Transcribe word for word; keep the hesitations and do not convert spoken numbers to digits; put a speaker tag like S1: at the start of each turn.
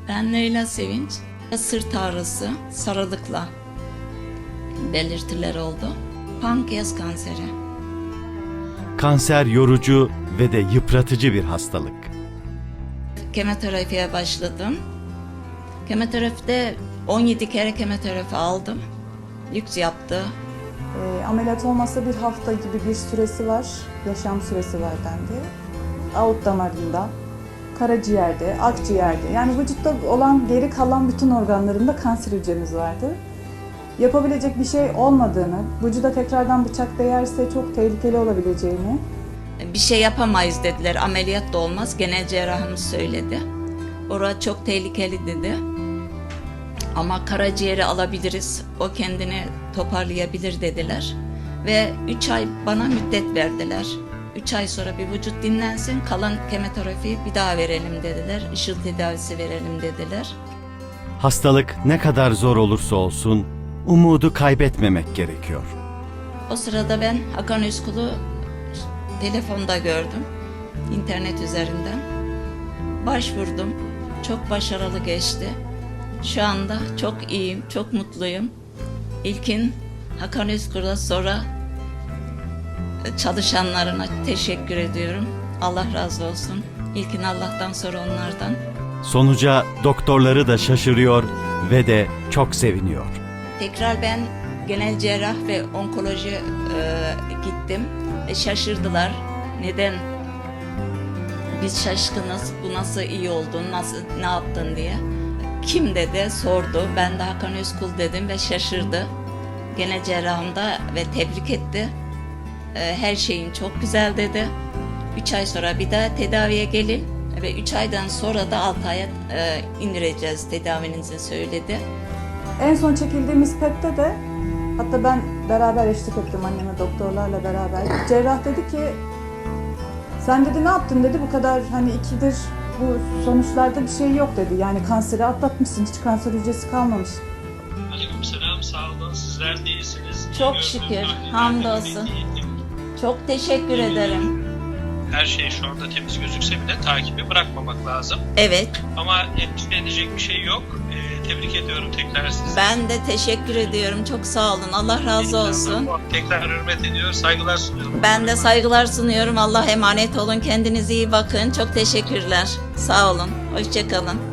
S1: Ben Leyla Sevinç. Sırt ağrısı, sarılıkla belirtiler oldu. Pankreas kanseri.
S2: Kanser yorucu ve de yıpratıcı bir hastalık.
S1: Kemoterapiye başladım. Kemoterapide on yedi kere kemoterapi aldım. Lüks yaptı.
S3: E, ameliyat olmasa bir hafta gibi bir süresi var, yaşam süresi var dendi. Aort damarında, karaciğerde, akciğerde, yani vücutta olan geri kalan bütün organlarında kanser hücremiz vardı. Yapabilecek bir şey olmadığını, vücuda tekrardan bıçak değerse çok tehlikeli olabileceğini.
S1: Bir şey yapamayız dediler, ameliyat da olmaz. Genel cerrahımız söyledi. Orası çok tehlikeli dedi. Ama karaciğeri alabiliriz, o kendini toparlayabilir dediler. Ve üç ay bana müddet verdiler. üç ay sonra bir vücut dinlensin, kalan kemoterapiyi bir daha verelim dediler. Işıl tedavisi verelim dediler.
S2: Hastalık ne kadar zor olursa olsun umudu kaybetmemek gerekiyor.
S1: O sırada ben Hakan Özkul'u telefonda gördüm, internet üzerinden. Başvurdum, çok başarılı geçti. Şu anda çok iyiyim, çok mutluyum. İlkin Hakan Özkul'a, sonra çalışanlarına teşekkür ediyorum. Allah razı olsun. İlkin Allah'tan, sonra onlardan.
S2: Sonuca doktorları da şaşırıyor ve de çok seviniyor.
S1: Tekrar ben genel cerrah ve onkoloji e, gittim. E, şaşırdılar. Neden? Biz şaşkınız. Bu nasıl iyi oldun, nasıl, ne yaptın diye. Kim dedi, sordu. Ben de Hakan Özkul dedim ve şaşırdı. Genel cerrahım da ve tebrik etti. E, her şeyin çok güzel dedi. Üç ay sonra bir daha tedaviye gelin ve üç aydan sonra da altı aya e, indireceğiz tedavinizi söyledi.
S3: En son çekildiğimiz P E T'te de, hatta ben beraber eşlik ettim anneme doktorlarla beraber. Cerrah dedi ki, sen dedi ne yaptın dedi, bu kadar hani ikidir bu sonuçlarda bir şey yok dedi. Yani kanseri atlatmışsın, hiç kanser hücresi kalmamış.
S4: Aleykümselam, sağ olun. Sizler de iyisiniz.
S1: Çok
S4: İyi
S1: şükür,
S4: gördüğüm
S1: hamdolsun.
S4: tahlillerde iyiyim.
S1: Çok teşekkür ederim.
S4: Her şey şu anda temiz gözükse bile takibi bırakmamak lazım.
S1: Evet,
S4: Ama endişe edecek bir şey yok. Ee, tebrik ediyorum tekrar sizi.
S1: ben de teşekkür ediyorum. Çok sağ olun. Allah razı olsun.
S4: Tekrar hürmet ediyor, saygılar sunuyorum.
S1: Ben de saygılar sunuyorum. Allah emanet olun. Kendinize iyi bakın. Çok teşekkürler. Sağ olun. Hoşça kalın.